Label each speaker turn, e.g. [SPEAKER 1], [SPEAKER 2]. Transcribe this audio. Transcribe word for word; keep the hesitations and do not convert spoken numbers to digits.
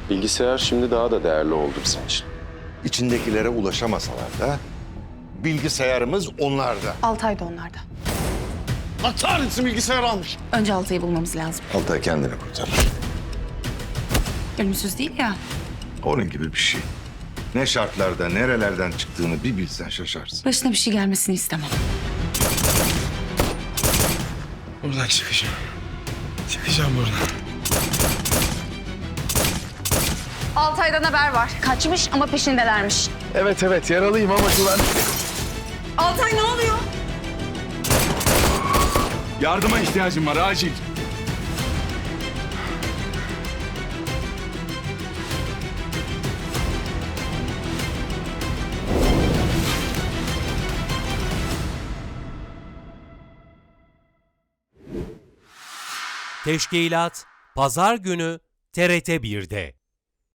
[SPEAKER 1] Bilgisayar şimdi daha da değerli oldu bizim için.
[SPEAKER 2] İçindekilere ulaşamasalar da bilgisayarımız onlarda.
[SPEAKER 3] Altay da onlarda.
[SPEAKER 2] Atar mısın bilgisayar almış?
[SPEAKER 3] Önce Altay'ı bulmamız lazım.
[SPEAKER 2] Altay kendini kurtarır.
[SPEAKER 3] Ölümsüz değil ya.
[SPEAKER 2] Onun gibi bir şey. Ne şartlarda, nerelerden çıktığını bir bilsen şaşarsın.
[SPEAKER 3] Başına bir şey gelmesini istemem.
[SPEAKER 4] Buradan çıkacağım. Çıkacağım buradan.
[SPEAKER 3] Altay'dan haber var. Kaçmış ama peşindelermiş.
[SPEAKER 4] Evet evet yaralıyım ama güven.
[SPEAKER 3] Altay ne oluyor?
[SPEAKER 4] Yardıma ihtiyacım var acil.
[SPEAKER 5] Teşkilat Pazar günü T R T bir'de.